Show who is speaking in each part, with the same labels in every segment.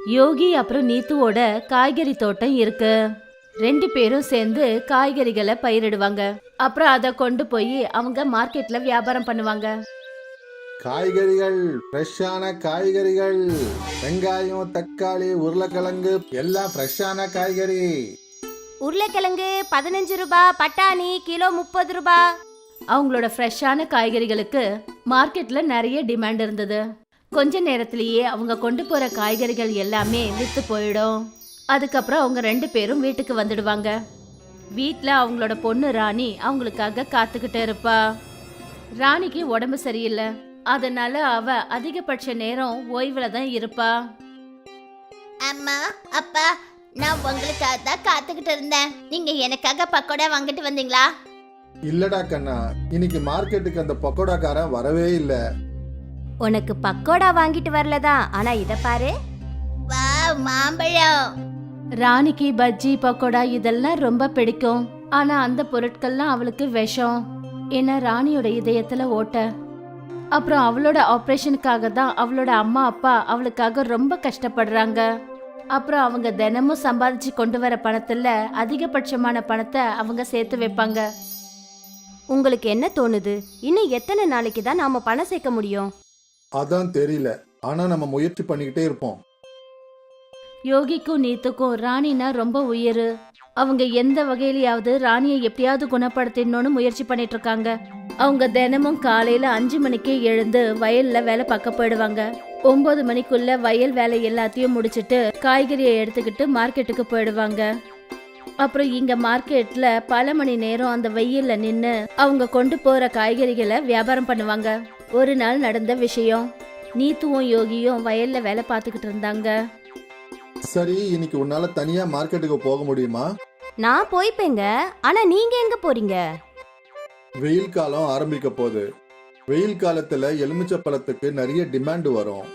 Speaker 1: யோகி அப்புறம் நீத்துவோட காய்கறி தோட்டம் இருக்கு. 2 பேரும் சேர்ந்து காய்கறிகளை பயிரிடுவாங்க. அப்புறம் அதை கொண்டு போய் அவங்க மார்க்கெட்ல வியாபாரம் பண்ணுவாங்க.
Speaker 2: காய்கறிகள், ஃப்ரெஷ்ஷான காய்கறிகள், வெங்காயம், தக்காளி, உருளைக்கிழங்கு எல்லாம் ஃப்ரெஷ்ஷான காய்கறி.
Speaker 3: உருளைக்கிழங்கு 15 ரூபாய், பட்டாணி கிலோ 30 ரூபாய்.
Speaker 1: அவங்களோட ஃப்ரெஷ்ஷான காய்கறிகளுக்கு மார்க்கெட்ல நிறைய டிமாண்ட் இருந்தது. கொஞ்ச நேரத்திலேயே அவங்க கொண்டு போற காய்கறிகள் எல்லாமே வித்து போயிடும். அதுக்கப்புறம் அவங்க 2 பேரும் வீட்டுக்கு வந்துடுவாங்க. வீட்ல அவங்களோட பொண்ணு ராணி அவங்களுக்காக காத்துக்கிட்டு இருப்பா. ராணிக்கு உடம்பு சரியில்லை, அதனால அவ அதிகபட்ச நேரம் ஓய்வுல தான் இருப்பா.
Speaker 3: அம்மா, அப்பா, நான் உங்களுக்காக தான் காத்துக்கிட்டு இருந்தேன். நீங்க எனக்காக பக்கோடா வாங்கிட்டு வந்தீங்களா?
Speaker 2: இல்லடா கண்ணா, இன்னைக்கு மார்க்கெட்டுக்கு அந்த பக்கோடாக்காரன் வரவே இல்ல.
Speaker 3: உனக்கு பக்கோடா வாங்கிட்டு வரலதான், ஆனா இத பாரு. வாவ், மாம்பழம்.
Speaker 1: ராணிக்கு பஜ்ஜி, பக்கோடா இதெல்லாம் ரொம்ப பிடிக்கும். ஆனா அந்த பொருட்கள்லாம் அவளுக்கு விஷம். ஏன்னா ராணியோட இதயத்துல ஓட்ட. அப்புறம் அவளோட ஆபரேஷனுக்காக தான் அவளோட அம்மா அப்பா அவளுக்காக ரொம்ப கஷ்டப்படுறாங்க. அப்புறம் அவங்க தினமும் சம்பாதிச்சு கொண்டு வர பணத்துல அதிகபட்சமான பணத்தை அவங்க சேர்த்து வைப்பாங்க.
Speaker 3: உங்களுக்கு என்ன தோணுது? இன்னும் எத்தனை நாளைக்கு தான் நாம பணம் சேர்க்க முடியும்?
Speaker 2: அதான் தெரியல, ஆனா நம்ம முயற்சி பண்ணிக்கிட்டே இருப்போம்.
Speaker 1: யோகிக்கும் நீத்துக்கும் ராணினா ரொம்ப உயிர். அவங்க எந்த வகையிலயாவது ராணியை எப்படியாவது குணப்படுத்தணும்னு முயற்சி பண்ணிட்டு இருக்காங்க. அவங்க தினமும் காலையில 5 மணிக்கே எழுந்து வயல்ல வேலை பார்க்க போயிடுவாங்க. 9 மணிக்குள்ள வயல் வேலை எல்லாத்தையும் முடிச்சிட்டு காய்கறியை எடுத்துக்கிட்டு மார்க்கெட்டுக்கு போயிடுவாங்க. அப்புறம் இங்க மார்க்கெட்ல பல மணி நேரம் அந்த வெயில்ல நின்னு அவங்க கொண்டு போற காய்கறிகளை வியாபாரம் பண்ணுவாங்க. ஒரு நாள் நடந்த விஷயம். நீத்துவும் யோகியும் வயல்ல வேலை பார்த்துக்கிட்டு இருந்தாங்க.
Speaker 2: சரி, இன்னைக்கு உன்னால தனியா மார்க்கெட்டுக்கு போக முடியுமா?
Speaker 3: நான் போய்ப்பேங்க, ஆனா நீங்க எங்க போறீங்க?
Speaker 2: வெயில் காலம் ஆரம்பிக்க போகுது. வெயில் காலத்துல எலுமிச்சை பழத்துக்கு நிறைய டிமாண்ட் வரும்.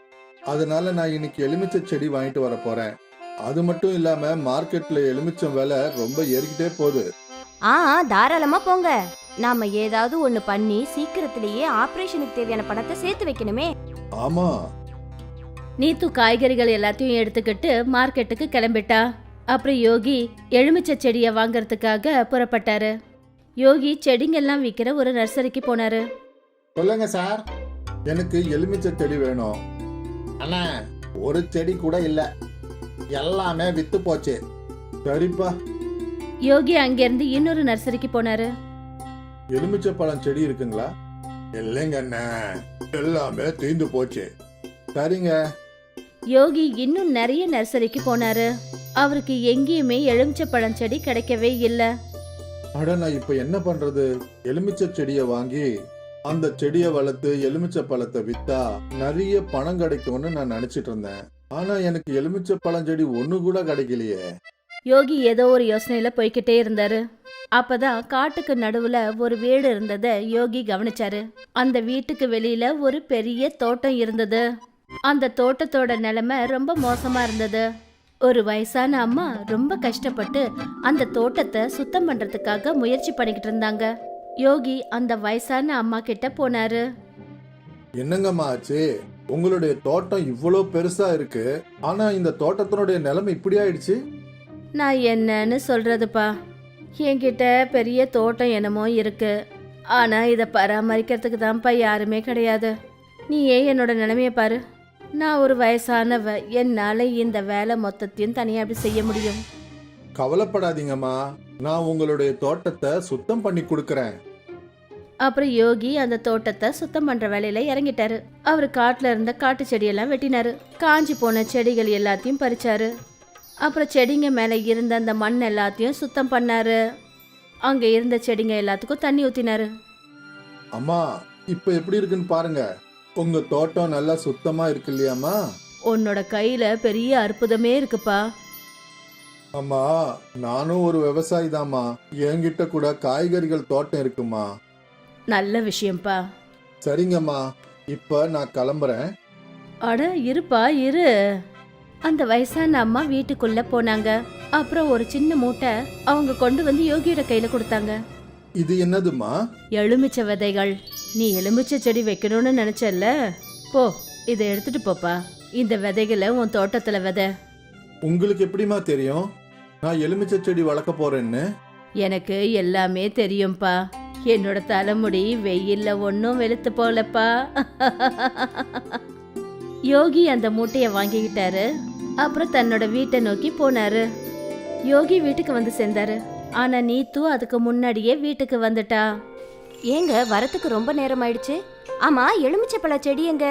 Speaker 2: அதனால நான் இன்னைக்கு எலுமிச்சை செடி வாங்கிட்டு வர போறேன். அது மட்டும் இல்லாம மார்க்கெட்ல எலுமிச்சம் விலை ரொம்ப ஏறிக்கிட்டே போகுது.
Speaker 3: தாராளமா போங்க. நாம ஏதாவது ஒண்ணு பண்ணி சீக்கிரத்திலேயே ஆபரேஷனுக்கு தேவையான பணத்தை சேர்த்து வைக்கணுமே.
Speaker 2: ஆமா.
Speaker 1: நீத்து காய்கறிகள் எல்லாத்தையும் எடுத்துக்கிட்டு மார்க்கெட்டுக்கு கிளம்பிட்டா. அப்புறம் யோகி எலுமிச்சை செடியை வாங்கறதுக்காக புறப்பட்டாரு. யோகி செடிங்கெல்லாம் விற்கிற ஒரு நர்சரிக்கு போனாரு.
Speaker 2: சொல்லுங்க சார், எனக்கு எலுமிச்சை செடி வேணும். அண்ணா, ஒரு செடி கூட இல்ல, எல்லாமே வித்து போச்சு. சரிப்பா.
Speaker 1: யோகி அங்கிருந்து இன்னொரு நர்சரிக்கு போனாரு.
Speaker 2: எலுமிச்சை பழம் செடி இருக்குங்களா? இல்லைங்க அண்ணா, எல்லாமே தீந்து போச்சு. சரிங்க.
Speaker 1: யோகி இன்னும் நிறைய நர்சரிக்கு போனாரு. அவருக்கு எங்கேயுமே எலுமிச்சை பழம் செடி கிடைக்கவே இல்ல.
Speaker 2: அட, நான் இப்ப என்ன பண்றது? எலுமிச்சை செடியை வாங்கி அந்த செடியை வளர்த்து எலுமிச்சை பழத்தை வித்தா நிறைய பணம் கிடைக்கும்னு நான் நினைச்சிட்டு இருந்தேன். ஆனா எனக்கு எலுமிச்சை பழம் செடி ஒண்ணு கூட கிடைக்கலையே.
Speaker 1: யோகி ஏதோ ஒரு யோசனையில போய்கிட்டே இருந்தாரு. அப்பதான் காட்டுக்கு நடுவுல ஒரு வீடு இருந்தத யோகி கவனிச்சாரு. அந்த வீட்டுக்கு வெளியில ஒரு பெரிய தோட்டம் இருந்தது. அந்த தோட்டத்தோட நிலைமை ரொம்ப மோசமா இருந்தது. ஒரு வயசான அம்மா ரொம்ப கஷ்டப்பட்டு அந்த தோட்டத்தை சுத்தம் பண்றதுக்காக முயற்சி பண்ணிக்கிட்டு இருந்தாங்க. யோகி அந்த வயசான அம்மா கிட்ட போனாரு.
Speaker 2: என்னங்கம்மா ஆச்சு? உங்களுடைய தோட்டம் இவ்வளோ பெருசா இருக்கு, ஆனா இந்த தோட்டத்தினுடைய நிலைமை இப்படி ஆயிடுச்சு.
Speaker 1: நான் என்னன்னு சொல்றதுப்பா, என்கிட்ட பெரிய தோட்டம் என்னமோ இருக்கு, ஆனா இதை பராமரிக்கிறதுக்கு தான்ப்பா யாருமே கிடையாது. நீ ஏன் என்னோட நிலைமைய பாரு. நான் ஒரு வயசானவ, என்னால இந்த வேலை மொத்தத்தையும் தனியா அப்படி செய்ய முடியும்.
Speaker 2: கவலைப்படாதீங்கம்மா, நான் உங்களுடைய தோட்டத்தை சுத்தம் பண்ணி கொடுக்கறேன்.
Speaker 1: அப்புறம் யோகி அந்த தோட்டத்தை சுத்தம் பண்ற வேலையில இறங்கிட்டாரு. அவரு காட்டுல இருந்த காட்டு செடியெல்லாம் வெட்டினாரு. காஞ்சி போன செடிகள் எல்லாத்தையும் பறிச்சாரு. அப்புறம் செடிங்க மேல இருந்த அந்த மண் எல்லாத்தையும் சுத்தம் பண்ணாரு. அங்க இருந்த செடிங்க எல்லாத்துக்கும் தண்ணி ஊத்தினாரு.
Speaker 2: அம்மா, இப்ப எப்படி இருக்குன்னு பாருங்க. உங்க தோட்டம் நல்லா சுத்தமா இருக்கு இல்லையாம்மா?
Speaker 1: உன்னோட கையில பெரிய அற்புதமே இருக்குப்பா.
Speaker 2: அம்மா, நானும் ஒரு விவசாயி தாம்மா. என்கிட்ட கூட காய்கறிகள் தோட்டம் இருக்குமா.
Speaker 1: நல்ல விஷயம்ப்பா.
Speaker 2: சரிங்கம்மா, இப்ப நான் கிளம்புறேன்.
Speaker 1: அட இருப்பா இரு. அந்த வயசான அம்மா வீட்டுக்குள்ள போனாங்க. அப்புறம் ஒரு சின்ன மூட்டை அவங்க கொண்டு வந்து யோகியோட கையில கொடுத்தாங்க.
Speaker 2: இது என்னதுமா?
Speaker 1: எலுமிச்சை விதைகள். நீ எலுமிச்சை செடி வைக்கணும்னு நினைச்சல்ல, போ இதை எடுத்துட்டு போப்பா. இந்த விதைகளை உன் தோட்டத்துல விதை.
Speaker 2: உங்களுக்கு எப்படிமா தெரியும் நான் எலுமிச்சை செடி வளர்க்க போறேன்னு?
Speaker 1: எனக்கு எல்லாமே தெரியும்பா. என்னோட தலைமுடி வெயில்ல ஒன்னும் வெளுத்து போலப்பா. யோகி அந்த மூட்டைய வாங்கிக்கிட்டாரு. அப்புறம் தன்னோட வீட்டை நோக்கி போனாரு. யோகி வீட்டுக்கு வந்து சேர்ந்தாரு. ஆனா நீத்து அதுக்கு முன்னாடியே வீட்டுக்கு வந்துட்டா.
Speaker 4: ஏங்க வரத்துக்கு ரொம்ப நேரம் ஆயிடுச்சு. ஆமா, எலுமிச்சை பழ செடி எங்க?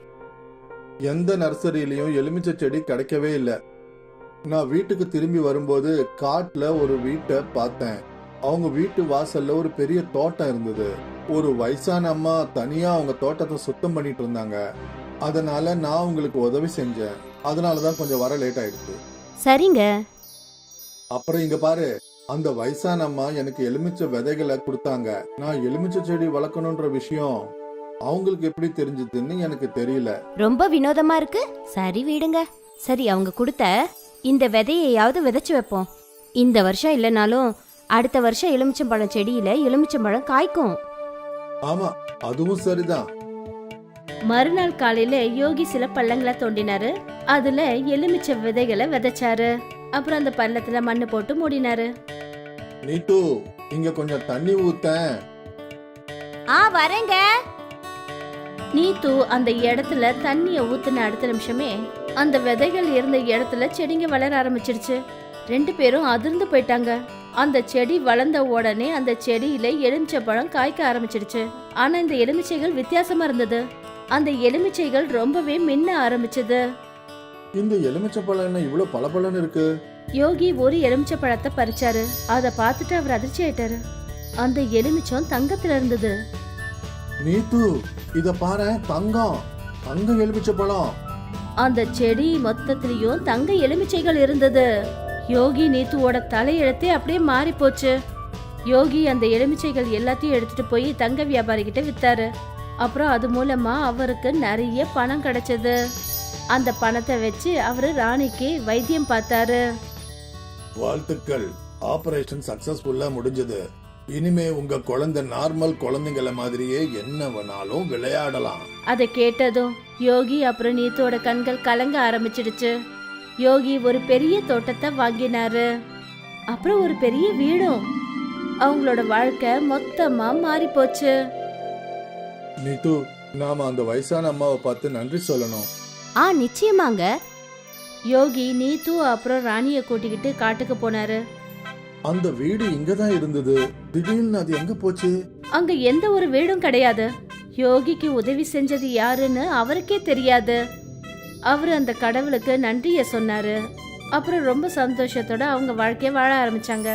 Speaker 2: எந்த நர்சரியிலயும் எலுமிச்சை செடி கிடைக்கவே இல்லை. நான் வீட்டுக்கு திரும்பி வரும்போது காட்டுல ஒரு வீட்டை பார்த்தேன். அவங்க வீட்டு வாசல்ல ஒரு பெரிய தோட்டம் இருந்தது. ஒரு வயசான அம்மா தனியா அவங்க தோட்டத்தை சுத்தம் பண்ணிட்டு இருந்தாங்க. அதனால நான் உங்களுக்கு உதவி செஞ்சேன். அதனாலதான் கொஞ்சம் வர லேட் ஆயிடுச்சு.
Speaker 4: சரிங்க.
Speaker 2: அப்புறம் இங்க பாரு, அந்த வயசான அம்மா எனக்கு எலுமிச்சை விதைகளை கொடுத்தாங்க. நான் எலுமிச்சை செடி வளர்க்கணும்ன்ற விஷயம் அவங்களுக்கு எப்படி தெரிஞ்சதுன்னு எனக்கு தெரியல.
Speaker 4: ரொம்ப வினோதமா இருக்கு. சரி விடுங்க. சரி, அவங்க கொடுத்த இந்த விதையையாவது விதைச்சு வைப்போம். இந்த வருஷம் இல்லைனாலும் அடுத்த வருஷம் எலுமிச்சம்பழம் செடியில எலுமிச்சம்பழம் காய்க்கும்.
Speaker 2: ஆமா, அதுவும் சரிதான்.
Speaker 1: மறுநாள் காலையில யோகி சில பள்ளங்களை தோண்டினாரு. அதுல எலுமிச்சை விதைகளை விதைச்சாரு. அப்புறம் அந்த பள்ளத்துல மண்ணு போட்டு மூடினாரு.
Speaker 2: நீத்து, இங்க கொஞ்சம் தண்ணி ஊத்தேன்.
Speaker 4: வரேங்க.
Speaker 1: நீத்து அந்த இடத்துல தண்ணிய ஊத்துன அடுத்த நிமிஷமே அந்த விதைகள் இருந்த இடத்துல செடிங்க வளர ஆரம்பிச்சிருச்சு. 2 பேரும் அதிர்ந்து போயிட்டாங்க. அந்த செடி வளர்ந்த உடனே அந்த செடியில எலுமிச்சை பழம் காய்க்க ஆரம்பிச்சிருச்சு. ஆனா இந்த எலுமிச்சைகள் வித்தியாசமா இருந்தது. அந்த எலுமிச்சைகள் ரொம்பவே மின்ன ஆரம்பிச்சது.
Speaker 2: இந்த எலுமிச்சை பழம் என்ன இவ்வளவு பளபளன்னு இருக்கு?
Speaker 1: யோகி ஒரு எலுமிச்சை பழத்தை பறிச்சாரு. அதை பார்த்துட்டு அவர் அதிர்ச்சி ஆயிட்டாரு. அந்த எலுமிச்சம் தங்கத்துல இருந்தது.
Speaker 2: நீத்து, இத பாரு, தங்கம். தங்க எலுமிச்சை பழம்.
Speaker 1: அந்த செடி மொத்தத்திலயும் தங்க எலுமிச்சைகள் இருந்தது. யோகி நீத்துவோட தலையெழுத்தே அப்படியே மாறி போச்சு. யோகி அந்த எலுமிச்சைகள் எல்லாத்தையும் எடுத்துட்டு போய் தங்க வியாபாரி கிட்ட வித்தாரு. அப்புறம் அது மூலமா அவருக்கு நிறைய பணம் கிடைச்சது. அந்த பணத்தை வச்சு அவரு ராணிக்கு வைத்தியம் பார்த்தாரு.
Speaker 2: வாழ்த்துக்கள், ஆபரேஷன் சக்சஸ்ஃபுல்லா முடிஞ்சது. இனிமே உங்க குழந்தை நார்மல் குழந்தைங்கள மாதிரியே என்ன வேணாலும் விளையாடலாம்.
Speaker 1: அதை கேட்டதும் யோகி அப்புறம் நீத்தோட கண்கள் கலங்க ஆரம்பிச்சிடுச்சு. யோகி ஒரு பெரிய தோட்டத்தை வாங்கினாரு. அப்புறம் ஒரு பெரிய வீடும். அவங்களோட வாழ்க்கை மொத்தமா மாறி போச்சு.
Speaker 2: நீத்து, நாம அந்த வயசான அம்மாவை பார்த்து நன்றி சொல்லணும்.
Speaker 4: நிச்சயமாங்க.
Speaker 1: யோகி நீத்து அப்புறம் ராணிய கூட்டிக்கிட்டு காட்டுக்கு போனாரு.
Speaker 2: அந்த வீடு இங்கதான் இருந்தது. திடீர்னு அது எங்க போச்சு?
Speaker 1: அங்க எந்த ஒரு வீடும் கிடையாது. யோகிக்கு உதவி செஞ்சது யாருன்னு அவருக்கே தெரியாது. அவரு அந்த கடவுளுக்கு நன்றிய சொன்னாரு. அப்புறம் ரொம்ப சந்தோஷத்தோட அவங்க வாழ்க்கைய வாழ ஆரம்பிச்சாங்க.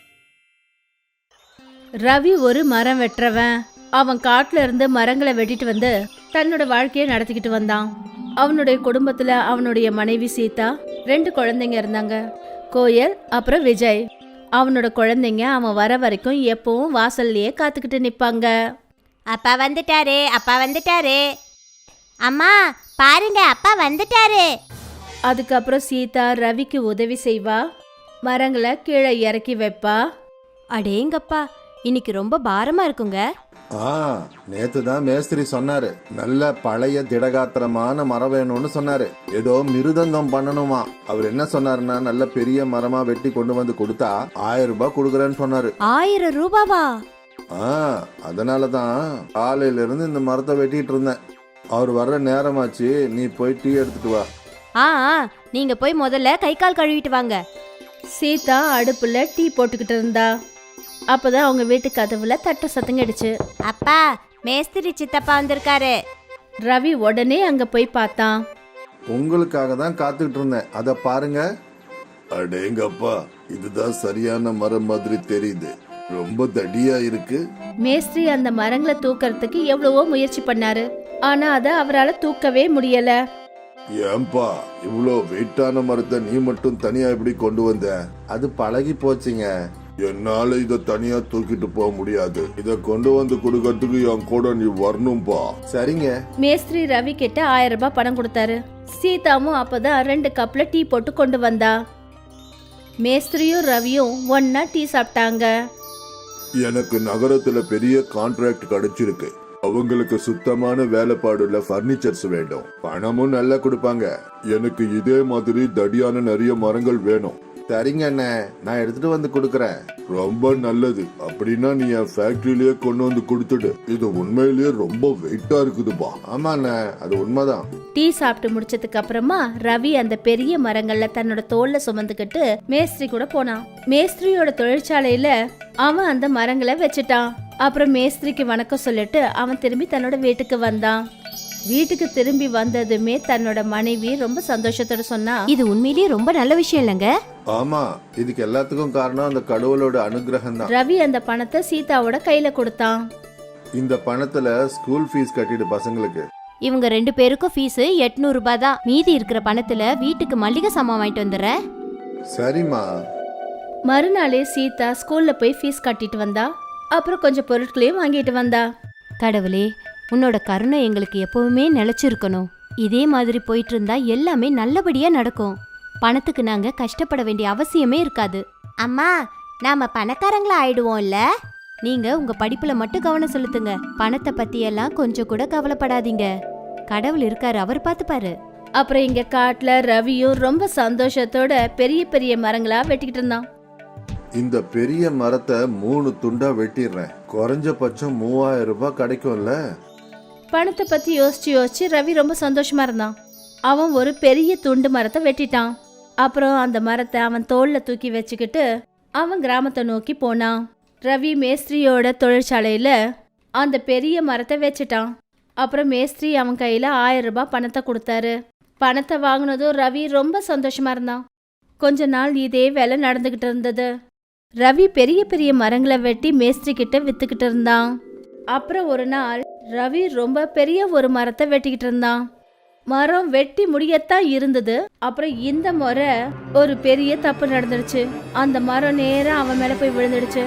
Speaker 1: ரவி ஒரு மரம் வெட்டுறவன். அவன் காட்டுல இருந்து மரங்களை வெட்டிட்டு வந்து தன்னோட வாழ்க்கைய நடத்திக்கிட்டு வந்தான். அவனுடைய குடும்பத்துல அவனுடைய மனைவி சீதா, 2 குழந்தைங்க இருந்தாங்க, கோயல் அப்புறம் விஜய். அவனோட குழந்தைங்க அவன் வர வரைக்கும் எப்பவும் வாசல்லையே காத்துக்கிட்டு நிப்பாங்க.
Speaker 4: அப்பா வந்துட்டாரு, அப்பா வந்துட்டாரு. அம்மா பாருங்க, அப்பா வந்துட்டாரு.
Speaker 1: அதுக்கப்புறம் சீதா ரவிக்கு உதவி செய்வா. மரங்களை கீழே இறக்கி வைப்பா.
Speaker 4: அடேங்கப்பா, இன்னைக்கு ரொம்ப பாரமா இருக்குங்க.
Speaker 2: நேத்து தான் மேஸ்திரி சொன்னாரு, நல்ல பழைய திடகாத்திரமான மரம் வேணும்னு சொன்னாரு. ஏதோ மிருதங்கம் பண்ணணுமா. அவர் என்ன சொன்னாருன்னா, நல்ல பெரிய மரமா வெட்டி கொண்டு வந்து கொடுத்தா 1000 ரூபாய் கொடுக்குறேன்னு சொன்னாரு.
Speaker 4: 1000 ரூபாவா?
Speaker 2: அதனாலதான் காலையில இருந்து இந்த மரத்தை வெட்டிட்டு இருந்தேன். அவர் வர்ற நேரமாச்சு, நீ போய் டீ எடுத்துட்டு வா.
Speaker 4: நீங்க போய் முதல்ல கை கால் கழுவிட்டு வாங்க.
Speaker 1: சீதா அடுப்புல டீ போட்டுக்கிட்டு இருந்தா. அப்பதான் அவங்க வீட்டு கதவுல தட்ட சத்தம் கேட்டுச்சு.
Speaker 4: அப்பா, மேஸ்திரி சித்தப்பா வந்திருக்காரு.
Speaker 1: ரவி உடனே அங்க போய் பார்த்தான்.
Speaker 2: உங்களுக்காக தான் காத்துக்கிட்டு இருந்தேன், அத பாருங்க. அடேங்கப்பா, இதுதான் சரியான மரம் மாதிரி தெரியுது. ரொம்ப தடியா இருக்கு.
Speaker 1: மேஸ்திரி அந்த மரங்களை தூக்கறதுக்கு எவ்வளவோ முயற்சி பண்ணாரு. ஆனா அத அவரால தூக்கவே முடியல.
Speaker 2: ஏன்பா, இவ்வளோ வெயிட்டான மரத்தை நீ மட்டும் தனியா எப்படி கொண்டு வந்த? அது பழகி போச்சுங்க. என்னால இத தனியா தூக்கிட்டு போக முடியாது. இத கொண்டு வந்து கொடுக்கறதுக்கு என் கூட நீ வரணும்பா. சரிங்க.
Speaker 1: மேஸ்திரி ரவி கிட்ட 1000 ரூபாய் பணம் கொடுத்தாரு. சீதாவும் அப்பதான் 2 கப்ல டீ போட்டு கொண்டு வந்தா. மேஸ்திரியும் ரவியும் ஒன்னா டீ சாப்பிட்டாங்க.
Speaker 2: எனக்கு நகரத்துல பெரிய கான்ட்ராக்ட் கிடைச்சிருக்கு. அவங்களுக்கு சுத்தமான வேலைப்பாடுள்ள பர்னிச்சர்ஸ் வேணும். பணமும் நல்லா கொடுப்பாங்க. எனக்கு இதே மாதிரி தடியான நிறைய மரங்கள் வேணும். சரிங்க அண்ணே, நான் எடுத்துட்டு வந்து கொடுக்கறேன். ரொம்ப நல்லது. அப்படின்னா நீ என் ஃபேக்டரியிலேயே கொண்டு வந்து கொடுத்துடு. இது உண்மையிலேயே ரொம்ப வெயிட்டா இருக்குதுப்பா. ஆமா அண்ணே, அது உண்மைதான்.
Speaker 1: டீ சாப்பிட்டு முடிச்சதுக்கு அப்புறமா ரவி அந்த பெரிய மரங்கள்ல தன்னோட தோல்ல சுமந்துக்கிட்டு மேஸ்திரி கூட போனான். மேஸ்திரியோட தொழிற்சாலையில அவன் அந்த மரங்களை வச்சுட்டான். அப்புறம் மேஸ்திரிக்கு வணக்கம் சொல்லிட்டு அவன் திரும்பி தன்னோட வீட்டுக்கு வந்தான். வீட்டுக்கு திரும்பி வந்ததுமே தன்னோட மனைவி ரொம்ப சந்தோஷத்தோட சொன்னா,
Speaker 4: இது உண்மையிலேயே ரொம்ப நல்ல விஷயம் இல்லைங்க.
Speaker 2: ஆமா, இதுக்கு எல்லாத்துக்கும் காரணம் அந்த கடவுளோட அனுகிரகம் தான்.
Speaker 1: ரவி அந்த பணத்தை சீதாவோட கையில கொடுத்தான்.
Speaker 2: இந்த பணத்துல ஸ்கூல் ஃபீஸ் கட்டிடு பசங்களுக்கு.
Speaker 4: இவங்க 2 பேருக்கும் ஃபீஸ் 800 ரூபாய் தான். மீதி இருக்கிற பணத்துல வீட்டுக்கு மல்லிகை சாமான் வாங்கிட்டு வந்துடுறேன்.
Speaker 2: சரிம்மா.
Speaker 1: மறுநாளே சீதா ஸ்கூல்ல போய் ஃபீஸ் கட்டிட்டு வந்தா. அப்புறம் கொஞ்சம் பொருட்களையும் வாங்கிட்டு வந்தா.
Speaker 4: கடவுளே, உன்னோட கருணை எங்களுக்கு எப்பவுமே நிலைச்சிருக்கணும். இதே மாதிரி போயிட்டு இருந்தா எல்லாமே நல்லபடியா நடக்கும். பணத்துக்கு நாங்க கஷ்டப்பட வேண்டிய அவசியமே இருக்காது. அம்மா, நாம பணக்காரங்களா ஆயிடுவோம்ல. நீங்க உங்க படிப்புல மட்டும் கவனம் செலுத்துங்க. பணத்தை பத்தி எல்லாம் கொஞ்சம் கூட கவலைப்படாதீங்க. கடவுள் இருக்காரு, அவர் பார்த்துப்பாரு.
Speaker 1: அப்புறம் இங்க காட்டுல ரவியும் ரொம்ப சந்தோஷத்தோட பெரிய பெரிய மரங்களா வெட்டிக்கிட்டு இருந்தான்.
Speaker 2: இந்த பெரிய மரத்தை 3 துண்டா வெட்டிடுறேன். குறைஞ்சபட்சம் 3000 ரூபாய் கிடைக்கும்ல.
Speaker 1: பணத்தை பத்தி யோசிச்சு ரவி ரொம்ப சந்தோஷமா இருந்தான். அவன் ஒரு பெரிய துண்டு மரத்தை வெட்டிட்டான். அப்புறம் அந்த மரத்தை அவன் தோல்ல தூக்கி வச்சுக்கிட்டு அவன் கிராமத்தை நோக்கி போனான். ரவி மேஸ்திரியோட தொழிற்சாலையில அந்த பெரிய மரத்தை வச்சுட்டான். அப்புறம் மேஸ்திரி அவன் கையில 1000 ரூபாய் பணத்தை கொடுத்தாரு. பணத்தை வாங்கினதும் ரவி ரொம்ப சந்தோஷமா இருந்தான். கொஞ்ச நாள் இதே வேலை நடந்துகிட்டு இருந்தது. ரவி பெரிய பெரிய மரங்களை வெட்டி மேஸ்திரி கிட்ட வித்துக்கிட்டு இருந்தான். அப்புறம் ஒரு நாள் ரவி ரொம்ப பெரிய ஒரு மரத்தை வெட்டிக்கிட்டு இருந்தான். மரம் வெட்டி முடியத்தான் இருந்தது. அப்புறம் இந்த முறை ஒரு பெரிய தப்பு நடந்துடுச்சு. அந்த மரம் நேரா அவன் மேல போய் விழுந்துடுச்சு.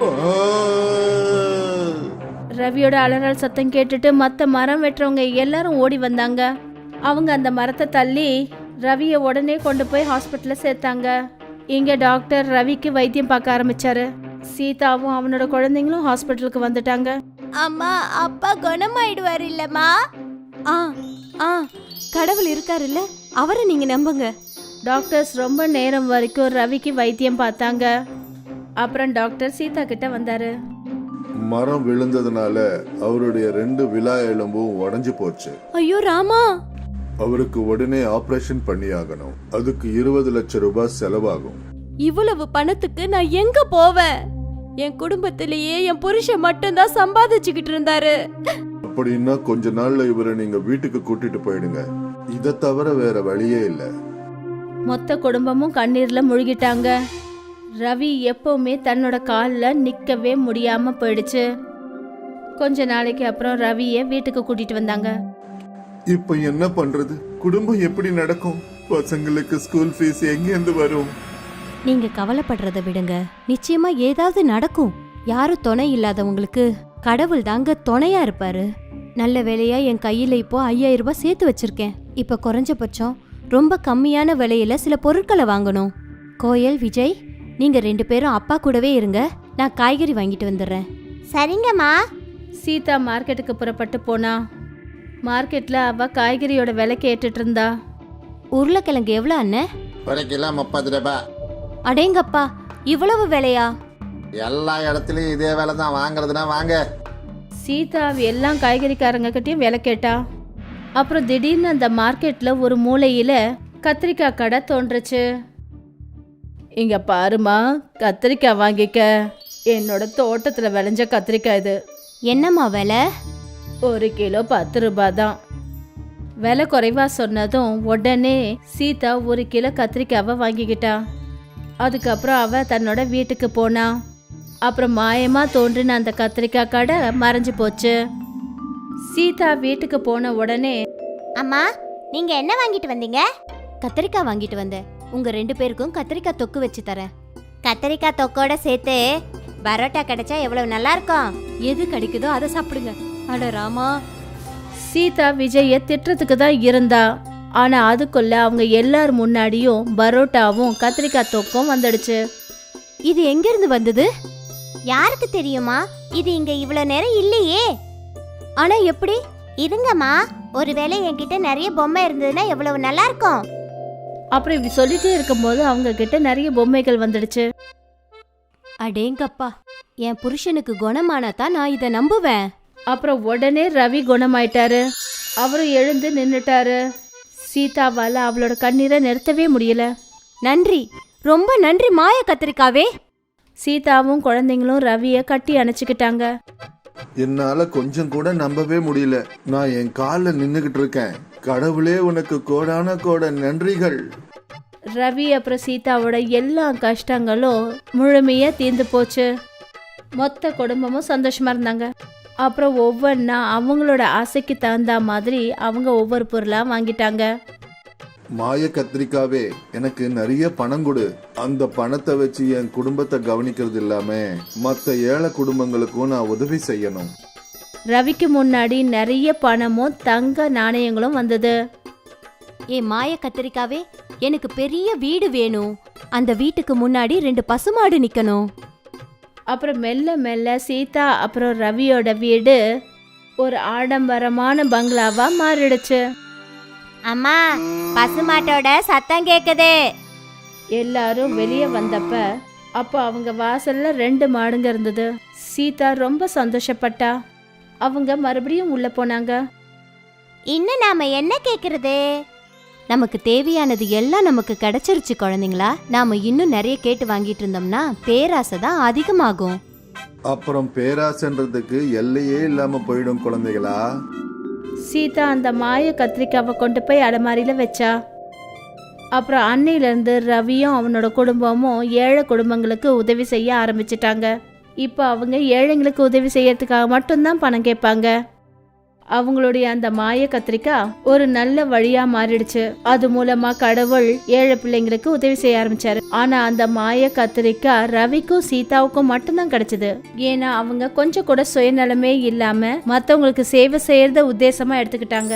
Speaker 1: ரவியோட அலறல் சத்தம் கேட்டுட்டு மத்த மரம் வெட்டுறவங்க எல்லாரும் ஓடி வந்தாங்க. அவங்க அந்த மரத்தை தள்ளி ரவியை உடனே கொண்டு போய் ஹாஸ்பிட்டல்ல சேர்த்தாங்க. இங்க டாக்டர் ரவிக்கு வைத்தியம் பார்க்க ஆரம்பிச்சாரு. சீதாவும் அவனோட குழந்தைங்களும் ஹாஸ்பிட்டலுக்கு வந்துட்டாங்க.
Speaker 4: அம்மா, அப்பா குணமாயிடுவாரு இல்லம்மா? ஆ ஆ கடவுள் இருக்காரு இல்ல, அவரை நீங்க நம்புங்க.
Speaker 1: டாக்டர்ஸ் ரொம்ப நேரம் வரைக்கும் ரவிக்கு வைத்தியம் பார்த்தாங்க. அப்புறம் டாக்டர் சீதா கிட்ட வந்தாரு.
Speaker 2: மரம் விழுந்ததுனால அவருடைய 2 விலா எலும்பும் உடைஞ்சு போச்சு.
Speaker 4: ஐயோ ராமா,
Speaker 2: அவருக்கு உடனே ஆபரேஷன் பண்ணியாகணும். அதுக்கு 20 லட்சம் ரூபாய் செலவாகும்.
Speaker 4: இவ்வளவு பணத்துக்கு நான் எங்க போவேன்? என் குடும்பத்திலேயே என் புருஷன் மட்டும்தான் சம்பாதிச்சுக்கிட்டு இருந்தாரு.
Speaker 2: அப்படின்னா கொஞ்ச நாள்ல இவரை நீங்க வீட்டுக்கு கூட்டிட்டு போயிடுங்க. இதை தவிர வேற வழியே இல்ல.
Speaker 1: மொத்த குடும்பமும் கண்ணீர்ல முழுகிட்டாங்க. ரவி எப்பவுமே தன்னோட கால்ல நிக்கவே முடியாம போயிடுச்சு. கொஞ்ச நாளைக்கு அப்புறம் ரவிய வீட்டுக்கு கூட்டிட்டு வந்தாங்க.
Speaker 2: இப்ப என்ன பண்றது? குடும்பம் எப்படி நடக்கும்? பசங்களுக்கு ஸ்கூல் ஃபீஸ் எங்க இருந்து வரும்?
Speaker 4: நீங்க கவலைப்படுறத விடுங்க, நிச்சயமா ஏதாவது நடக்கும். யாரும் துணை இல்லாதவங்களுக்கு கடவுள் தாங்க துணையா இருப்பாரு. நல்ல வேலையா என் கையில இப்போ 5000 ரூபாய் சேர்த்து வச்சிருக்கேன். இப்ப குறைஞ்சபட்சம் ரொம்ப கம்மியான விலையில சில பொருட்களை வாங்கணும். கோயல், விஜய், நீங்க 2 பேரும் அப்பா கூடவே இருங்க. நான் காய்கறி வாங்கிட்டு வந்துடுறேன். சரிங்கம்மா.
Speaker 1: சீதா மார்க்கெட்டுக்கு புறப்பட்டு போனா. மார்க்கெட்ல அவ காய்கறியோட விலை கேட்டுட்டு இருந்தா.
Speaker 4: உருளைக்கிழங்கு எவ்வளோ அண்ணே?
Speaker 5: 1 கிலோ 30 ரூபாய்.
Speaker 4: அடேங்கப்பா, இவ்வளவு விலையா?
Speaker 5: எல்லா இடத்துலயும் இதே வேலை தான். வாங்குறதுனா வாங்க.
Speaker 1: சீதா எல்லாம் காய்கறிக்காரங்க கிட்டயும் விலை கேட்டா. அப்புறம் திடீர்னு அந்த மார்க்கெட்ல ஒரு மூலையில கத்திரிக்காய் கடை தோன்றுச்சு. இங்க பாருமா, கத்திரிக்காய் வாங்கிக்க. என்னோட தோட்டத்துல விளைஞ்ச கத்திரிக்காய் இது.
Speaker 4: என்னம்மா விலை?
Speaker 1: 1 கிலோ 10 ரூபாய் தான். விலை குறைவா சொன்னதும் உடனே சீதா 1 கிலோ கத்திரிக்காவை வாங்கிக்கிட்டா. அதுக்கப்புறம் அவ தன்னோட வீட்டுக்கு போனா. அப்புறம் மாயமா தோன்றின அந்த கத்திரிக்காய் கடை மறைஞ்சு போச்சு. சீதா வீட்டுக்கு போன உடனே,
Speaker 4: அம்மா, நீங்க என்ன வாங்கிட்டு வந்தீங்க? கத்திரிக்காய் வாங்கிட்டு வந்தேன். உங்க 2 பேருக்கும் கத்திரிக்காய் தொக்கு வச்சு தரேன். கத்திரிக்காய் தொக்கோட சேர்த்து பரோட்டா கிடைச்சா எவ்வளவு நல்லா இருக்கும். எது கிடைக்குதோ அதை சாப்பிடுங்க. அட ராமா.
Speaker 1: சீதா விஜய திட்டுறதுக்கு தான் இருந்தா. ஆனா அதுக்குள்ள அவங்க எல்லார் முன்னாடியும் பரோட்டாவும் கத்திரிக்காய் தொக்கும் வந்துடுச்சு.
Speaker 4: இது எங்க இருந்து வந்தது? யாருக்கு தெரியுமா? இது இங்க இவ்வளவு நேரம் இல்லையே. ஆனா எப்படி?
Speaker 3: இருங்கம்மா, ஒருவேளை என்கிட்ட நிறைய பொம்மை இருந்ததுன்னா எவ்வளவு நல்லா இருக்கும்.
Speaker 1: அப்புறம் இப்படி சொல்லிட்டே இருக்கும்போது அவங்க கிட்ட நிறைய பொம்மைகள் வந்துடுச்சு.
Speaker 4: அடேங்கப்பா, என் புருஷனுக்கு குணமானா தான் நான் இதை நம்புவேன்.
Speaker 1: அப்புறம் உடனே ரவி குணமாயிட்டாரு. அவரும் எழுந்து நின்னுட்டாரு. சீதாவால அவளோட கண்ணீரை நிறுத்தவே முடியல.
Speaker 4: நன்றி, ரொம்ப நன்றி மாய கத்திரிக்காவே.
Speaker 1: சீதாவும் குழந்தைங்களும் ரவிய கட்டி அணைச்சுக்கிட்டாங்க.
Speaker 2: என்னால கொஞ்சம் கூட நம்பவே முடியல. நான் என் காலில் நின்னுகிட்டு இருக்கேன். கடவுளே, உனக்கு கோடான கோட நன்றிகள்.
Speaker 1: ரவி அப்புறம் சீதாவோட எல்லா கஷ்டங்களும் முழுமையா தீர்ந்து போச்சு. மொத்த குடும்பமும் சந்தோஷமா இருந்தாங்க. அப்புறம் ஒவ்வொன்றா அவங்களோட ஆசைக்கு தகுந்த மாதிரி அவங்க ஒவ்வொரு பொருளா வாங்கிட்டாங்க.
Speaker 2: மாய கத்திரிக்காவே, எனக்கு நிறைய பணம் கொடு. அந்த பணத்தை வச்சு என் குடும்பத்தை கவனிக்கிறது இல்லாம மற்ற ஏழை குடும்பங்களுக்கும் நான் உதவி செய்யணும்.
Speaker 1: ரவிக்கு முன்னாடி நிறைய பணமும் தங்க நாணயங்களும் வந்தது.
Speaker 4: ஏ மாய கத்திரிக்காவே, எனக்கு பெரிய வீடு வேணும். அந்த வீட்டுக்கு முன்னாடி 2 பசுமாடு நிக்கணும்.
Speaker 1: அப்புறம் மெல்ல மெல்ல சீதா அப்புறம் ரவியோட வீடு ஒரு ஆடம்பரமான பங்களாவா மாறிடுச்சு.
Speaker 3: அம்மா, பசுமாட்டோட சத்தம் கேக்குது.
Speaker 1: எல்லாரும் வெளியே வந்தப்ப அப்போ அவங்க வாசல்ல 2 மாடுங்க இருந்தது. சீதா ரொம்ப சந்தோஷப்பட்டா. அவங்க மறுபடியும் உள்ள போனாங்க.
Speaker 3: இன்னும் நாம என்ன கேக்குறது?
Speaker 4: நமக்கு தேவையானது எல்லாம் நமக்கு கிடைச்சிருச்சு குழந்தைங்களா. நாம இன்னும் நிறைய கேட்டு வாங்கிட்டு இருந்தோம்னா பேராசை தான் அதிகமாகும்.
Speaker 2: அப்புறம் பேராசன்றதுக்கு எல்லையே இல்லாம போயிடும் குழந்தைகளா.
Speaker 1: சீதா அந்த மாய கத்திரிக்காவை கொண்டு போய் அலமாரியில வச்சா. அப்புறம் அன்னையிலேருந்து ரவியும் அவனோட குடும்பமும் ஏழை குடும்பங்களுக்கு உதவி செய்ய ஆரம்பிச்சிட்டாங்க. இப்போ அவங்க ஏழைங்களுக்கு உதவி செய்யறதுக்காக மட்டும்தான் பணம் கேட்பாங்க. அவங்களுடைய அந்த மாய கத்திரிக்காய் ஒரு நல்ல வழியா மாறிடுச்சு. அது மூலமா கடவுள் ஏழை பிள்ளைங்களுக்கு உதவி செய்ய ஆரம்பிச்சாரு. ஆனா அந்த மாய கத்திரிக்காய் ரவிக்கும் சீதாவுக்கும் மட்டும்தான் கிடைச்சது. ஏன்னா அவங்க கொஞ்சம் கூட சுயநலமே இல்லாம மத்தவங்களுக்கு சேவை செய்யறத உத்தேசமா எடுத்துக்கிட்டாங்க.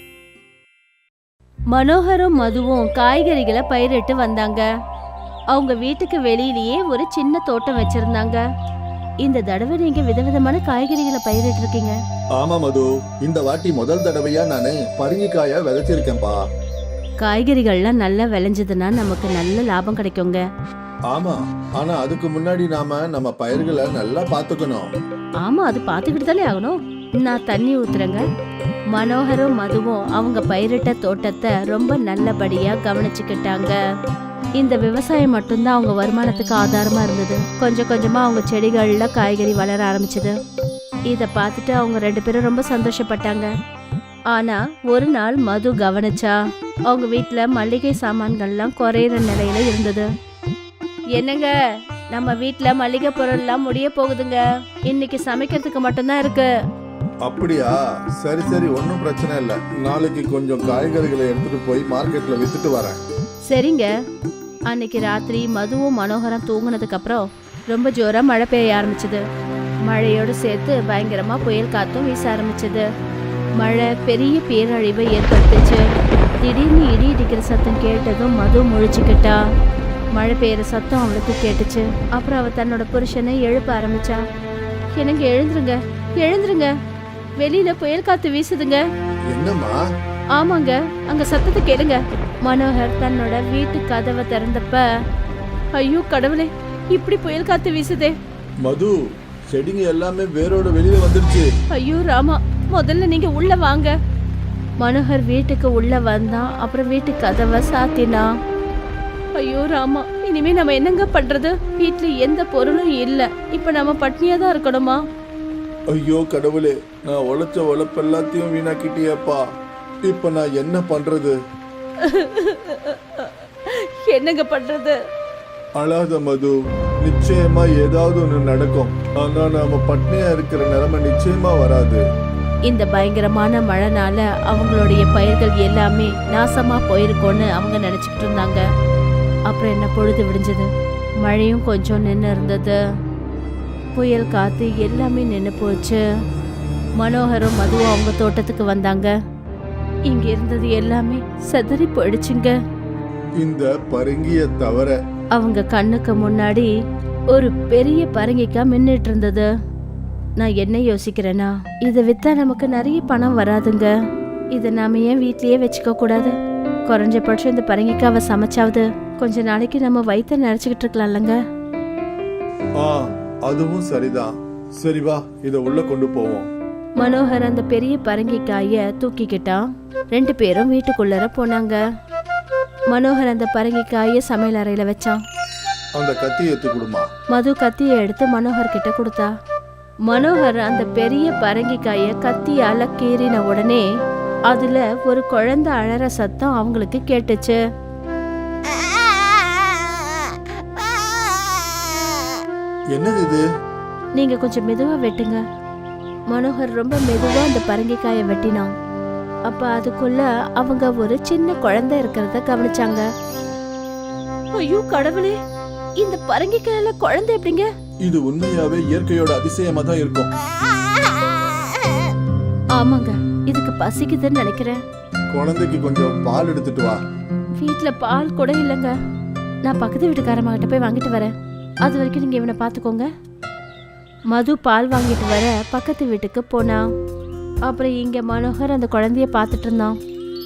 Speaker 1: மனோகரும் மதுவும் காய்கறிகளை பயிரிட்டு வந்தாங்க. அவங்க வீட்டுக்கு வெளியிலேயே ஒரு சின்ன தோட்டம் வச்சிருந்தாங்க. இந்த தடவை நீங்க விதவிதமான காய்கறிகளை பயிரிட்டு இருக்கீங்க.
Speaker 2: ஆமா மது, இந்த வாட்டி முதல் தடவையா நானு பரங்கிக்காய விதைச்சிருக்கேன்பா.
Speaker 1: காய்கறிகள்லாம் நல்லா விளைஞ்சதுன்னா நமக்கு நல்ல லாபம் கிடைக்குங்க.
Speaker 2: ஆமா, ஆனா அதுக்கு முன்னாடி நாம நம்ம பயிர்களை நல்லா பாத்துக்கணும்.
Speaker 1: ஆமா, அது பாத்துக்கிட்டு தானே ஆகணும். நான் தண்ணி ஊத்துறேங்க. மனோகரும் மதுவும் அவங்க பயிரிட்ட தோட்டத்தை ரொம்ப நல்லபடியா கவனிச்சுக்கிட்டாங்க. இந்த விவசாயம் மட்டும்தான் அவங்க வருமானத்துக்கு ஆதாரமா இருந்தது. கொஞ்சம் கொஞ்சமா அவங்க செடிகள்ல காய்கறி வளர ஆரம்பிச்சது. இத பார்த்துட்டு அவங்க 2 பேரும் ரொம்ப சந்தோஷப்பட்டாங்க. ஆனா ஒரு நாள் மது கவனிச்சா அவங்க வீட்டுல மளிகை சாமான்கள்லாம் குறையிற நிலையில இருந்தது. என்னங்க, நம்ம வீட்டுல மளிகை பொருள்லாம் முடிய போகுதுங்க. இன்னைக்கு சமைக்கிறதுக்கு மட்டும்தான் இருக்கு.
Speaker 2: அப்படியா? சரி சரி, ஒன்னும் பிரச்சனை இல்ல. நாளைக்கு கொஞ்சம் காய்கறிகளை எடுத்துட்டு போய் மார்க்கெட்ல வித்துட்டு வரேன்.
Speaker 1: சரிங்க. அன்னைக்கு ராத்திரி மதுவும் மனோகரம் தூங்குனதுக்கு அப்புறம் ரொம்ப ஜோரா மழை பெய்ய ஆரம்பிச்சது. மழையோடு சேர்த்து பயங்கரமா புயல் காத்தும் வீச ஆரம்பிச்சது. மழை பெரிய பேரழிவை ஏற்படுத்துச்சு. திடீர்னு இடி இடிக்கிற சத்தம் கேட்டதும் மது முழிச்சுக்கிட்டா. மழை பெய்யற சத்தம் அவளுக்கு கேட்டுச்சு. அப்புறம் அவ தன்னோட புருஷனை எழுப்ப ஆரம்பிச்சா. எனக்கு எழுந்துருங்க, எழுந்துருங்க, வெளியில புயல் காத்து வீசுதுங்க.
Speaker 2: என்னம்மா?
Speaker 1: ஆமாங்க, அங்க சத்தத்தை கேளுங்க. மனோகர் தன்னோட வீட்டு கதவை திறந்தப்ப, ஐயோ கடவுளே, இப்படி புயல் காத்து வீசுதே.
Speaker 2: மது, செடிங்க எல்லாமே வேரோட வெளியில வந்துருச்சு.
Speaker 1: ஐயோ ராமா, முதல்ல நீங்க உள்ள வாங்க. மனோகர் வீட்டுக்கு உள்ள வந்தான். அப்புறம் வீட்டு கதவை சாத்தினா. ஐயோ ராமா, இனிமே நம்ம என்னங்க பண்றது? வீட்டுல எந்த பொருளும் இல்ல. இப்ப நம்ம பட்னியா தான் இருக்கணுமா?
Speaker 2: ஐயோ கடவுளே, நான் உழைச்ச உழைப்பு எல்லாத்தையும் வீணாக்கிட்டியப்பா. இப்ப நான் என்ன பண்றது?
Speaker 1: என்னங்க பண்றது?
Speaker 2: அழாத மது, நிச்சயமா ஏதாவது ஒண்ணு நடக்கும். ஆனா நாம பட்னியா இருக்கிற நிலைமை நிச்சயமா வராது.
Speaker 1: இந்த பயங்கரமான மழைனால அவங்களுடைய பயிர்கள் எல்லாமே நாசமா போயிருக்கோன்னு அவங்க நினைச்சுக்கிட்டு இருந்தாங்க. அப்புறம் என்ன, பொழுது விடிஞ்சது. மழையும் கொஞ்சம் நின்று இருந்தது. புயல் காத்து எல்லாமே நின்று போச்சு. மனோகரும் மதுவும் அவங்க தோட்டத்துக்கு வந்தாங்க. இங்க இருந்தது எல்லாமே செதறி போயிடுச்சுங்க.
Speaker 2: இந்த பரங்கிய தவிர
Speaker 1: அவங்க கண்ணுக்கு முன்னாடி ஒரு பெரிய பரங்கிக்காய் மின்னிட்டு இருந்தது. நான் என்ன யோசிக்கிறேன்னா இதை வித்தா நமக்கு நிறைய பணம் வராதுங்க. இதை நாம ஏன் வீட்லயே வச்சுக்க கூடாது? குறைஞ்சபட்சம் இந்த பரங்கிக்காவை சமைச்சாவது கொஞ்ச நாளைக்கு நம்ம வயிற்ற நினைச்சுக்கிட்டு இருக்கலாம்லங்க.
Speaker 2: ஆ, அதுவும் சரிதான். சரி வா, இத உள்ள கொண்டு போவோம்.
Speaker 1: மனோகர் அந்த பெரிய பரங்கிக்காய தூக்கிக்கிட்டான். 2 பேரும் வீட்டுக்குள்ளர போனாங்க. மனோகர் அந்த பரங்கிக்காய சமையல் அறையில வச்சான்.
Speaker 2: அந்த கத்தி எடுத்து கொடுமா.
Speaker 1: மது கத்தியை எடுத்து மனோகர் கிட்ட கொடுத்தா. மனோகர் அந்த பெரிய பரங்கிக்காய கத்தியால கீறின உடனே அதுல ஒரு குழந்தை அழற சத்தம் அவங்களுக்கு கேட்டுச்சு.
Speaker 2: என்னது இது?
Speaker 1: நீங்க கொஞ்சம் மெதுவா வெட்டுங்க. மனோகர் ரொம்ப மெதுவா அந்த பரங்கிக்காயை வெட்டினான். அப்ப அதுக்குள்ள அவங்க ஒரு சின்ன குழந்தை இருக்கிறத கவனிச்சாங்க. ஐயோ கடவுளே, இந்த பரங்கிக்காயில குழந்தை எப்படிங்க?
Speaker 2: இது உண்மையாவே இயற்கையோட அதிசயமா தான் இருக்கும்.
Speaker 1: ஆமாங்க, இதுக்கு பசிக்குதுன்னு நினைக்கிறேன்.
Speaker 2: குழந்தைக்கு கொஞ்சம் பால் எடுத்துட்டு வா.
Speaker 1: வீட்ல பால் கூட இல்லைங்க. நான் பக்கத்து வீட்டுக்காரம்மாகிட்ட போய் வாங்கிட்டு வரேன். அது வரைக்கும் நீங்க இவனை பாத்துக்கோங்க. மது பால் வாங்கிட்டு வர பக்கத்து வீட்டுக்கு போனா. அப்புறம் இங்க மனோகர் அந்த குழந்தைய பார்த்துட்டு இருந்தான்.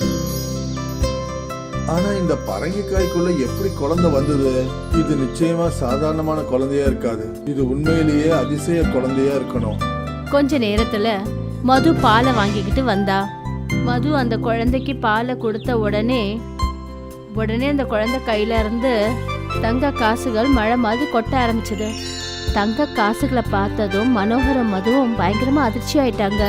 Speaker 2: ஆனா இந்த பரங்கிக்காய்க்குள்ள எப்படி குழந்தை வந்தது? இது நிச்சயமா சாதாரணமான குழந்தையா இருக்காது. இது உண்மையிலேயே அதிசய குழந்தையா இருக்கணும்.
Speaker 1: கொஞ்ச நேரத்துல மது பாலை வாங்கிக்கிட்டு வந்தா. மது அந்த குழந்தைக்கு பாலை கொடுத்த உடனே அந்த குழந்தை கையில இருந்து தங்க காசுகள் மழை மாதிரி கொட்ட ஆரம்பிச்சது. தங்க காசுகளை பார்த்ததும் மனோகரும் மதுவும் பயங்கரமா அதிர்ச்சி ஆயிட்டாங்க.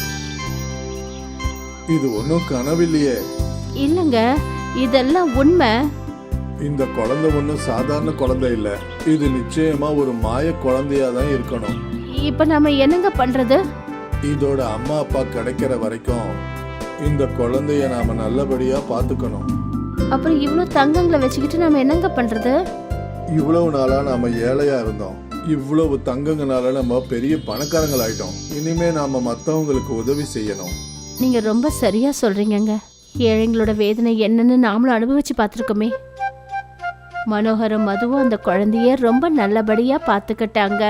Speaker 2: இது ஒன்னும் கனவில்லையே.
Speaker 1: இல்லங்க, இதெல்லாம் உண்மை.
Speaker 2: இந்த குழந்தை ஒன்னும் சாதாரண குழந்தை இல்ல. இது நிச்சயமா ஒரு மாய குழந்தையா தான் இருக்கணும்.
Speaker 1: இப்ப நாம என்னங்க பண்றது?
Speaker 2: இதோட அம்மா அப்பா கிடைக்கிற வரைக்கும் இந்த குழந்தைய நாம நல்லபடியா பாத்துக்கணும்.
Speaker 1: அப்புறம் இவ்வளவு தங்கங்களை வச்சுக்கிட்டு நாம என்னங்க பண்றது?
Speaker 2: இவ்வளவு நாளா நாம ஏழையா இருந்தோம். இவ்வளவு தங்கங்கனால நம்ம பெரிய பணக்காரங்கள் ஆயிட்டோம். இனிமே நாம மத்தவங்களுக்கு உதவி செய்யணும்.
Speaker 1: நீங்க ரொம்ப சரியா சொல்றீங்கங்க. ஏழைங்களோட வேதனை என்னன்னு நாமளும் அனுபவிச்சு பார்த்துருக்கோமே. மனோகரும் மதுவும் அந்த குழந்தைய ரொம்ப நல்லபடியா பார்த்துக்கிட்டாங்க.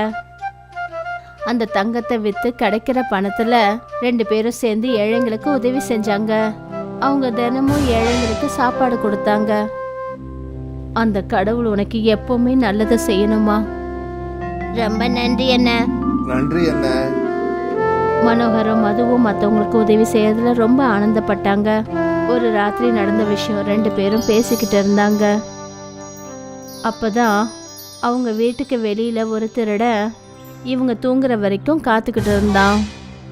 Speaker 1: அந்த தங்கத்தை வித்து கிடைக்கிற பணத்துல 2 பேரும் சேர்ந்து ஏழைங்களுக்கு உதவி செஞ்சாங்க. அவங்க தினமும் ஏழைங்களுக்கு சாப்பாடு கொடுத்தாங்க. அந்த கடவுள் உனக்கு எப்பவுமே நல்லதை செய்யணுமா?
Speaker 3: ரொம்ப நன்றி அண்ணா.
Speaker 2: நன்றி என்ன.
Speaker 1: மனோகரும் மதுவும் மற்றவங்களுக்கு உதவி செய்யறதுல ரொம்ப ஆனந்தப்பட்டாங்க. ஒரு ராத்திரி நடந்த விஷயம் 2 பேரும் பேசிக்கிட்டு இருந்தாங்க. அப்பதான் அவங்க வீட்டுக்கு வெளியில ஒரு திருட இவங்க தூங்குற வரைக்கும் காத்துக்கிட்டு இருந்தான்.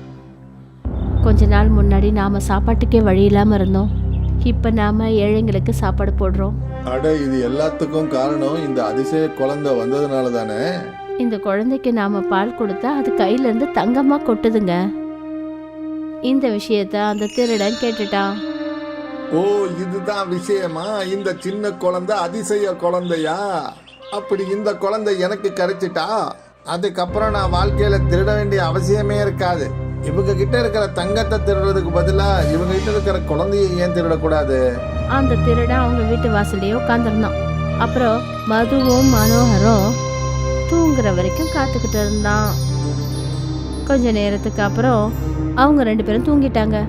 Speaker 1: கொஞ்ச நாள் முன்னாடி நாம சாப்பாட்டுக்கே வழி இல்லாம இருந்தோம். இப்ப நாம ஏழைங்களுக்கு சாப்பாடு போடுறோம்.
Speaker 2: அட, இது எல்லாத்துக்கும் காரணம் இந்த அதிசய குழந்தை வந்ததுனால தானே.
Speaker 1: இந்த குழந்தைக்கு நாம பால் கொடுத்தா அது கையில இருந்து தங்கமா கொட்டுதுங்க. இந்த விஷயத்த அந்த திருடன் கேட்டுட்டான்.
Speaker 5: ஓ, இதுதான் விஷயமா? இந்த சின்ன குழந்தை அதிசய குழந்தையா? அப்படி இந்த குழந்தை எனக்கு கிடைச்சிட்டா அதுக்கப்புறம் நான் வாழ்க்கையில திருட வேண்டிய அவசியமே இருக்காது. இவங்க கிட்ட இருக்கிற தங்கத்தை திருடுறதுக்கு பதிலா இவங்க கிட்ட இருக்கிற குழந்தைய ஏன் திருடக்கூடாது?
Speaker 1: அந்த திருடன் அவங்க வீட்டு வாசல்லையே உட்காந்துருந்தான். அப்புறம் மதுவும் மனோகரும் தூங்குற வரைக்கும் காத்துக்கிட்டு இருந்தான். கொஞ்ச நேரத்துக்கு அப்புறம் அவங்க 2 பேரும் தூங்கிட்டாங்க.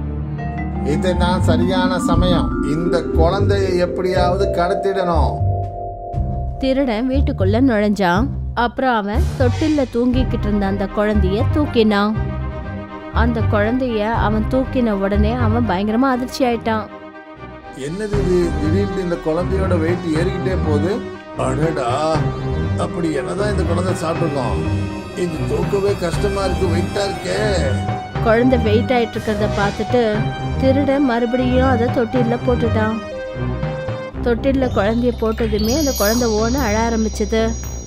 Speaker 5: இதுதான் சரியான சமயம். இந்த குழந்தைய எப்படியாவது கடத்திடணும்.
Speaker 1: திருடன் வீட்டுக்குள்ள நுழைஞ்சான். அப்புறம் அவன் தொட்டில்ல தூங்கிக்கிட்டு இருந்த அந்த குழந்தைய தூக்கினான். அந்த குழந்தைய அவன் தூக்கின உடனே அவன் பயங்கரமா அதிர்ச்சி ஆயிட்டான்.
Speaker 2: என்னது இது? திடீர்னு இந்த குழந்தையோட வெயிட் ஏறிக்கிட்டே போகுது. அடடா, அப்படி என்னதான் இந்த குழந்தை சாப்பிட்டுருக்கோம்? இது தூக்கவே கஷ்டமா இருக்கு, வெயிட்டா இருக்கே.
Speaker 1: குழந்தை வெயிட் ஆயிட்டு இருக்கிறத பார்த்துட்டு திருடன் மறுபடியும் அதை தொட்டில்ல போட்டுட்டான். தொட்டில்ல குழந்தைய போட்டதுமே அந்த குழந்தை ஓன அழ ஆரம்பிச்சது.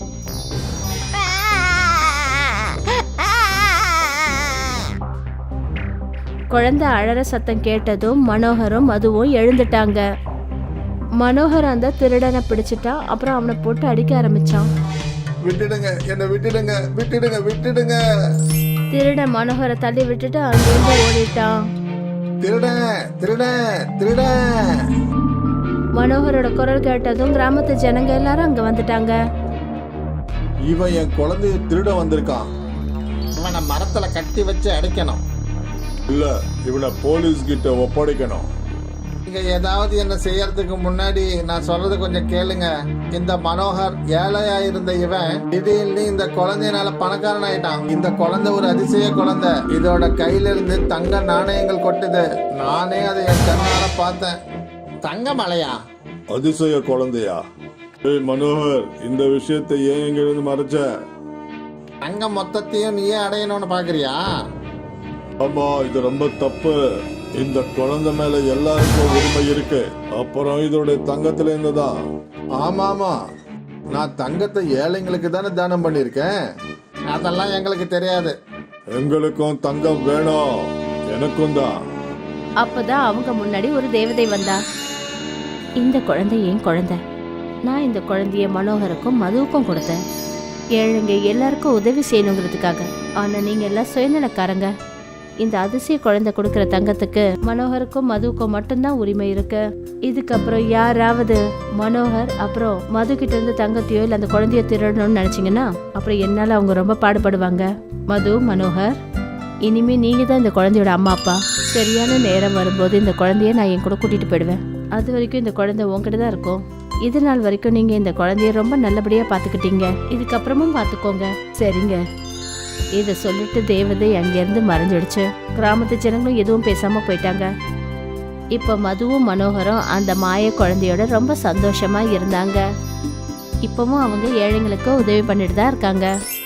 Speaker 1: குழந்தை அழற சத்தம் கேட்டதும் மனோகரும் மதுவும் எழுந்துட்டாங்க. மனோகர் அந்த திருடனை பிடிச்சிட்டா. அப்புறம் அவனை போட்டு அடிக்க ஆரம்பிச்சான்.
Speaker 2: விட்டுடுங்க, என்ன விட்டுடுங்க, விட்டுடுங்க, விட்டுடுங்க.
Speaker 1: திருடன் மனோகரை தள்ளி விட்டுட்டு அங்கிருந்து ஓடிட்டான்.
Speaker 2: திருடன், திருடன், திருடன்.
Speaker 1: மனோகரோட குரல் கேட்டதும் கிராமத்து ஜனங்க எல்லாரும் அங்க வந்துட்டாங்க.
Speaker 2: இவன் என் குழந்தைய திருட வந்திருக்கான்.
Speaker 5: இவனை மரத்துல கட்டி வச்சு அடைக்கணும்.
Speaker 2: இல்ல, இவனை போலீஸ் கிட்ட ஒப்படைக்கணும்.
Speaker 5: நீங்க ஏதாவது என்ன செய்யறதுக்கு முன்னாடி நான் சொல்றது கொஞ்சம் கேளுங்க. இந்த மனோகர் ஏழையா இருந்த இவன் திடீர்னு இந்த குழந்தையினால பணக்காரன் ஆயிட்டான். இந்த குழந்தை ஒரு அதிசய குழந்தை. இதோட கையில இருந்து தங்க நாணயங்கள் கொட்டுது. நானே அதை என் கண்ணால பார்த்தேன். தங்க மலையா?
Speaker 2: அதிசய குழந்தையா? ஏய் மனோகர், இந்த விஷயத்தை ஏன் எங்கிருந்து மறைச்ச?
Speaker 5: தங்க மொத்தத்தையும் நீயே அடையணும்னு பாக்குறியா?
Speaker 2: ஆமா, இது ரொம்ப தப்பு. இந்த குழந்தை மேல எல்லாருக்கும் உரிமை இருக்கு. அப்புறம் இதோட தங்கத்துல இருந்துதான்.
Speaker 5: ஆமா ஆமா, நான் தங்கத்தை ஏழைங்களுக்கு தானே தானம் பண்ணிருக்கேன். அதெல்லாம் எங்களுக்கு தெரியாது.
Speaker 2: எங்களுக்கும் தங்கம் வேணும். எனக்கும் தான்.
Speaker 1: அப்பதான் அவங்க முன்னாடி ஒரு தேவதை வந்தா. இந்த குழந்தை என் குழந்தை. நான் இந்த குழந்தைய மனோகருக்கும் மதுவுக்கும் கொடுத்தேன். ஏழைங்க எல்லாருக்கும் உதவி செய்யணுங்கிறதுக்காக. ஆனா நீங்க எல்லாம் சுயநலக்காரங்க. இந்த அதிசய குழந்தை கொடுக்கற தங்கத்துக்கு மனோகருக்கும் மதுவுக்கும் மட்டும்தான் உரிமை இருக்கு. இதுக்கப்புறம் யாராவது மனோகர் அப்புறம் மது கிட்ட இருந்து தங்கத்தையோ இல்ல அந்த குழந்தைய திருடணும்னு நினைச்சீங்கன்னா அப்புறம் என்னால அவங்க ரொம்ப பாடுபடுவாங்க. மது, மனோகர், இனிமே நீங்க தான் இந்த குழந்தையோட அம்மா அப்பா. சரியான நேரம் வரும்போது இந்த குழந்தைய நான் என் கூட கூட்டிட்டு போயிடுவேன். அது வரைக்கும் இந்த குழந்தை உங்ககிட்ட தான் இருக்கும். இது நாள் வரைக்கும் நீங்க இந்த குழந்தைய ரொம்ப நல்லபடியா பாத்துக்கிட்டீங்க. இதுக்கப்புறமும் பாத்துக்கோங்க, சரிங்க? இத சொல்லிட்டு தேவதை அங்கிருந்து மறைஞ்சிடுச்சு. கிராமத்து ஜனங்களும் எதுவும் பேசாம போயிட்டாங்க. இப்ப மதுவும் மனோகரும் அந்த மாய குழந்தையோட ரொம்ப சந்தோஷமா இருந்தாங்க. இப்பவும் அவங்க ஏழைங்களுக்கு உதவி பண்ணிட்டு தான் இருக்காங்க.